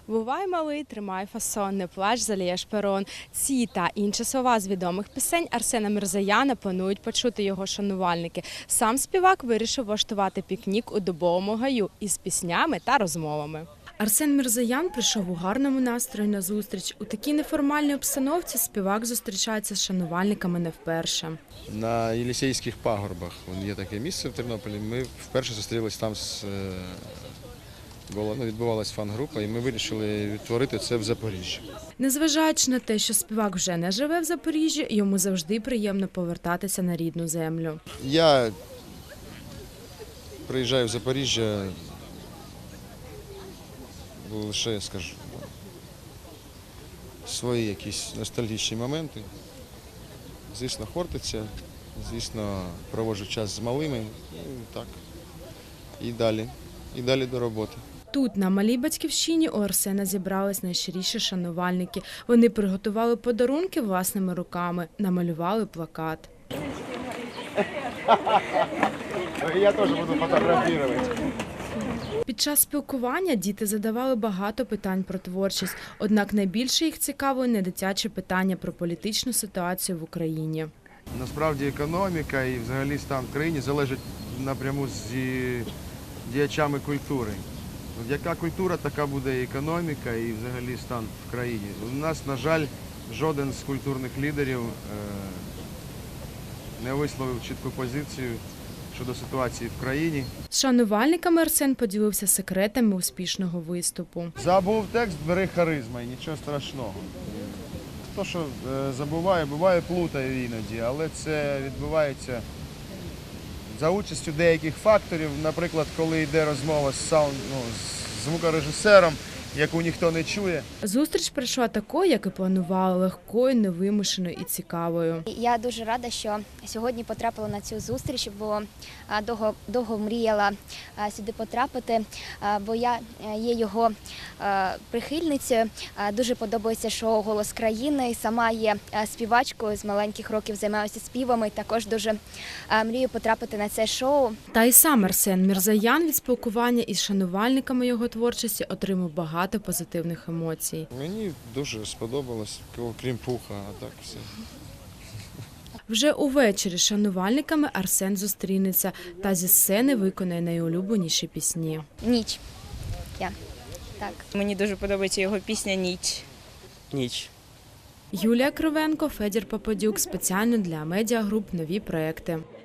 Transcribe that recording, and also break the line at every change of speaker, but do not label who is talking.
Бувай малий, тримай фасон, не плач, залієш перон. Ці та інші слова з відомих пісень Арсена Мірзояна планують почути його шанувальники. Сам співак вирішив влаштувати пікнік у Дубовому гаю із піснями та розмовами. Арсен Мірзоян прийшов у гарному настрої на зустріч. У такій неформальній обстановці співак зустрічається з шанувальниками не вперше.
На Єлісейських пагорбах є таке місце в Тернополі. Ми вперше зустрілися там відбувалася фан-група, і ми вирішили відтворити це в Запоріжжі.
Незважаючи на те, що співак вже не живе в Запоріжжі, йому завжди приємно повертатися на рідну землю.
Я приїжджаю в Запоріжжя лише, скажу, свої якісь ностальгічні моменти. Звісно, Хортиця, звісно, проводжу час з малими, і далі до роботи.
Тут, на малій батьківщині, у Арсена зібрались найщиріші шанувальники. Вони приготували подарунки власними руками, намалювали плакат.
Я теж буду фотографувати.
Під час спілкування діти задавали багато питань про творчість, однак найбільше їх цікавили не дитячі питання про політичну ситуацію в Україні.
Насправді економіка і взагалі стан в країні залежить напряму з діячами культури. Яка культура, така буде і економіка, і взагалі стан в країні. У нас, на жаль, жоден з культурних лідерів не висловив чітку позицію щодо ситуації в країні.
З шанувальниками Арсен поділився секретами успішного виступу.
Забув текст, бери харизма, і нічого страшного. Хто що забуває, буває, плутає іноді, але це відбувається за участю деяких факторів. Наприклад, коли йде розмова з звукорежисером, яку ніхто не чує.
Зустріч пройшла такою, як і планували, легкою, невимушеною і цікавою.
Я дуже рада, що сьогодні потрапила на цю зустріч, бо довго мріяла сюди потрапити, бо я є його прихильницею. Дуже подобається шоу «Голос країни». Сама є співачкою, з маленьких років займаюся співами. Також дуже мрію потрапити на це шоу.
Та й сам Арсен Мірзоян від спілкування із шанувальниками його творчості отримав багато позитивних емоцій.
Мені дуже сподобалось, крім пуха, а так все.
Вже увечері з шанувальниками Арсен зустрінеться та зі сцени виконає найулюбленіші пісні.
Ніч. Так.
Мені дуже подобається його пісня «Ніч».
Ніч.
Юлія Кривенко, Федір Попадюк. Спеціально для медіагруп «Нові проекти».